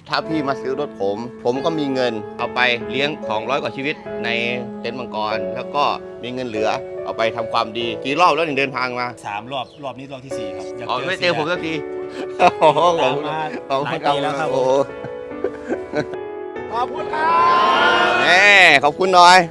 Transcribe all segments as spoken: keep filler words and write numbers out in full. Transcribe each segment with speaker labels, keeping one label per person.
Speaker 1: ถ้าพี่มาซื้อรถผม ผมก็มีเงินเอาไปเลี้ยงสองร้อยกว่าชีวิตในเต็นท์มังกรแล้วก็มีเงินเหลือเอาไปทำความดีกี่รอบแล้วถึงเดินทางมา
Speaker 2: สามรอบรอบนี้รอบที่สี่ครับ
Speaker 1: อ๋อไม่เจอผมสักที
Speaker 2: โอ้โหขอบคุณมาหลายปีแล้วครับโอ้
Speaker 1: ขอบคุณครับแหมขอบคุณหน่อย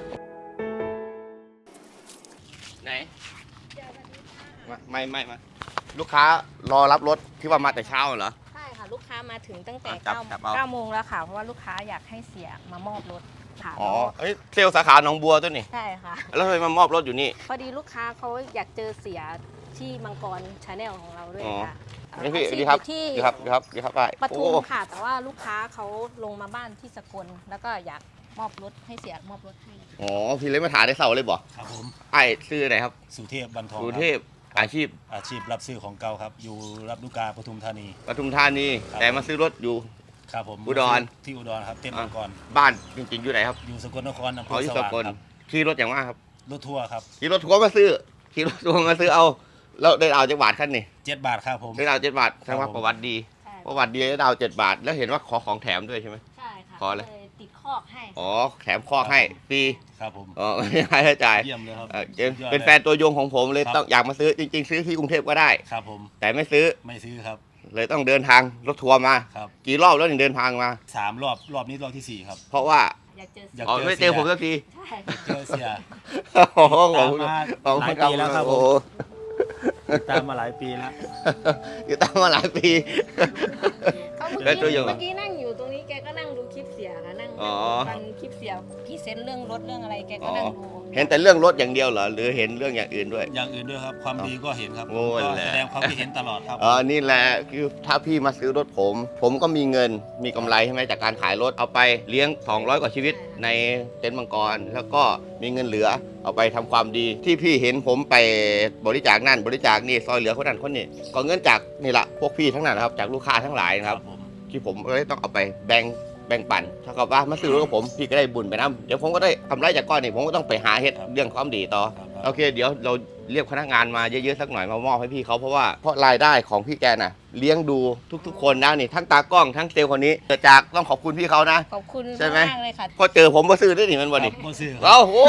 Speaker 1: ไหนมาไม่ไม่มาลูกค้ารอรับรถที่ว่ามาแต่เช้าเหรอ
Speaker 3: ใช่ค่ะลูกค้ามาถึงตั้งแต่
Speaker 1: เก้า
Speaker 3: เก้าโมงแล้วค่ะเพราะว่าลูกค้าอยากให้เสียมามอบรถค่ะ
Speaker 1: อ๋อเอ้ยเซลล์สาขาหนองบัวตัวนี่
Speaker 3: ใช่ค่ะ
Speaker 1: แล้วทำไมมามอบรถอยู่นี่
Speaker 3: พอดีลูกค้าเขาอยากเจอเสียที่มังกรชาแนลของเราด้วยค่ะ
Speaker 1: นี่พี่ดีครับ
Speaker 3: ที่
Speaker 1: ดีครับดีครับดีครับไป
Speaker 3: ปทุมค่ะแต่ว่าลูกค้าเขาลงมาบ้านที่สกลแล้วก็อยากมอบรถให้เสียมอบรถให้
Speaker 1: อ๋อพี่เลยมาถ่ายได้เสาเลยบ่
Speaker 2: ครับผม
Speaker 1: ไอ้ซื้อไหนครับ
Speaker 2: สุเทพบรรทอง
Speaker 1: สุเทพอาชีพ
Speaker 2: อาชีพรับซื้อของเก่าครับอยู่รับลูกกาปทุมธานี
Speaker 1: ปทุมธานีแต่มาซื้อรถอยู่
Speaker 2: ครับผม
Speaker 1: อุดร
Speaker 2: ที่อุดรครับเต็มมังกร
Speaker 1: บ้านจริงๆอยู่ไหนครับ
Speaker 2: อยู่สกลนครอำเภอ
Speaker 1: สว่างครับขี่รถอย่างว่าครับ
Speaker 2: รถทัวร์ครับ
Speaker 1: ขี่รถทัวร์มาซื้อขี่รถทัวร์มาซื้อเอาแล้วได้เอาจักบาทขั้นนี่
Speaker 2: เจ็ดบาทครับผม
Speaker 1: ได้เอาเจ็ดบาทแสดงว่าประวัติดีประวัติดีได้เอาเจ็ดบาทแล้วเห็นว่าขอของแถมด้วยใช่ไหม
Speaker 3: ใช่ค่ะ
Speaker 1: ขอเลย
Speaker 3: ติดคอกให้
Speaker 1: อ๋อแถมคอกให้ฟรี
Speaker 2: ครับผม
Speaker 1: อ๋อไม่ให้จ่าย
Speaker 2: เยี่ยมเลยครับ
Speaker 1: เป็นแฟนตัวยงของผมเลยต้องอยากมาซื้อจริงๆซื้อที่กรุงเทพก็ได้
Speaker 2: ครับผม
Speaker 1: แต่ไม่ซื้อ
Speaker 2: ไม่ซื้อครับ
Speaker 1: เลยต้องเดินทางรถทัวร์มา
Speaker 2: ครับ
Speaker 1: กี่รอบแล้วถึงเดินทางมา
Speaker 2: สามรอบรอบนี้รอบที่สี่ครับ
Speaker 1: เพราะว่า
Speaker 3: อยากเจอ
Speaker 1: อยากเจอไม่เจอผมสักที
Speaker 3: ใช่
Speaker 2: เจอเสีย
Speaker 1: โอ้โหขอบ
Speaker 2: คุณมาหลายปีแล้วครับผมตามมาหลายปีแล้ว
Speaker 1: อยู่ตามมาหลายปี
Speaker 3: เขาเมื่อกี้เมื่อกี้นั่งอยู่ตรงนี้แกก็นั่งดูคลิปเสียค่ะนั่งฟังคลิปเสียพรีเซนต์เรื่องรถเรื่องอะไรแกก็นั่งดู
Speaker 1: เห็นแต่เรื่องรถอย่างเดียวเหรอหรือเห็นเรื่องอย่างอื่นด้วย
Speaker 2: อย่างอื่นด้วยครับความดีก็เห็นครับ
Speaker 1: ก็
Speaker 2: แสดงความคิดเห็นตลอดครับ
Speaker 1: อ๋อนี่แหละคือถ้าพี่มาซื้อรถผม ผมก็มีเงินมีกำไรใช่ไหมจากการขายรถเอาไปเลี้ยงสองร้อยกว่าชีวิตในเต็นท์มังกรแล้วก็มีเงินเหลือเอาไปทำความดีที่พี่เห็นผมไปบริจาคนั่นบริจาคนี่ซอยเหลือคนนั้นคนนี้ก็เงินจากนี่แหละพวกพี่ทั้งนั้นนะครับจากลูกค้าทั้งหลายนะครับที่ผมเลยต้องเอาไปแบ่งแบ่งปันเท่ากับว่ามาซื้อรถกับผมพี่ก็ได้บุญไปนะเดี๋ยวผมก็ได้กำไรจากก้อนนี่ผมก็ต้องไปหาเฮ็ดเรื่องความดีต่อโอเคเดี๋ยวเราเรียกพนักงานมาเยอะๆสักหน่อยมามอบให้พี่เขาเพราะว่าเพราะรายได้ของพี่แกน่ะเลี้ยงดูทุกๆคนนะนี่ทั้งตากล้องทั้งเซลล์คนนี้เกิดจากต้องขอบคุณพี่เขานะ
Speaker 3: ขอบคุณ
Speaker 1: ใช่ไหม
Speaker 3: มากเลยค่ะ
Speaker 1: พอเจอผมมาซื้อได้หนิมันวันนี้
Speaker 2: มาซื้อ
Speaker 1: เอ้าโอ้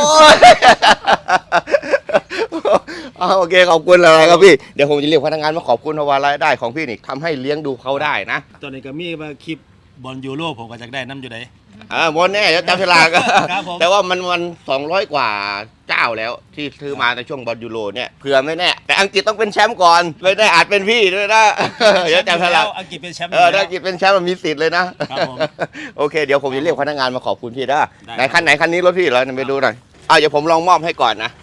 Speaker 1: โอเคขอบคุณเลยครับพี่เดี๋ยวผมจะเรียกพนักงานมาขอบคุณเพราะว่ารายได้ของพี่นี่ทำให้เลี้ยงดูเขาได้นะ
Speaker 2: ตอนนี้ก็มีมาคลิปบอลยูโรผมก็จะได้น้ำอยู่ไหน
Speaker 1: อ่าบนแน่จะจำฉลากแต่ว่ามันมันสองร้อยกว่าเจ้าแล้วที่ซื้อมาในช่วงบอลยูโรเนี่ยเผื่อไม่แน่แต่อังกฤษต้องเป็นแชมป์ก่อนเลยได้อาจเป็นพี่ด้วยนะเดี๋ยวจำฉลาก
Speaker 2: อังกฤษเป็นแชมป์
Speaker 1: เอออังกฤษเป็นแชมป์มันมีสิทธิ์เลยนะครับผมโอเคเดี๋ยวผมจะเรียกพนักงานมาขอบคุณพี่นะไหนคันไหนคันนี้รถพี่เหรอไปดูหน่อยเอาเดี๋ยวผมลองมอบให้ก่อนนะ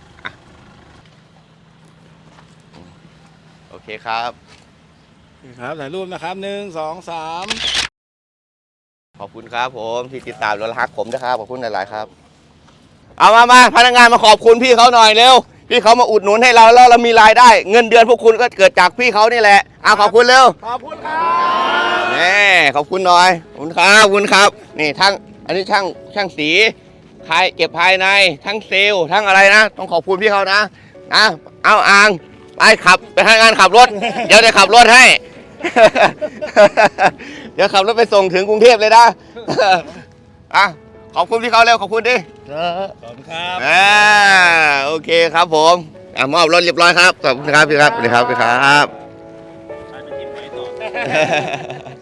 Speaker 1: โอเคครับ
Speaker 2: ครับถ่ายรูปนะครับหนึ่งสองสาม
Speaker 1: ขอบคุณครับผมที่ติดตามและรักผมนะครับขอบคุณหลายๆครับเอามามาพนักงานมาขอบคุณพี่เขาหน่อยเร็วพี่เขามาอุดหนุนให้เราแล้วเรามีรายได้เงินเดือนพวกคุณก็เกิดจากพี่เขานี่แหละเอาขอบคุณเร็ว
Speaker 2: ขอบคุณครับ
Speaker 1: นี่ขอบคุณหน่อยขอบคุณครับขอบคุณครับนี่ทั้งอันนี้ช่างช่างสีภายเก็บภายในทั้งเซลล์ทั้งอะไรนะต้องขอบคุณพี่เขานะนะเอาอ่างไปขับไปทำงานขับรถเดี๋ยวจะขับรถให้เดี๋ยวขับรถไปส่งถึงกรุงเทพเลยนะอ่ะขอบคุณพี่เขาเร็วขอบคุณดิ
Speaker 2: ขอบคุณครับ
Speaker 1: อ่าโอเคครับผมอ่ะมอบรถเรียบร้อยครับขอบคุณครับพี่ครับสวัสดีครับพี่ครับ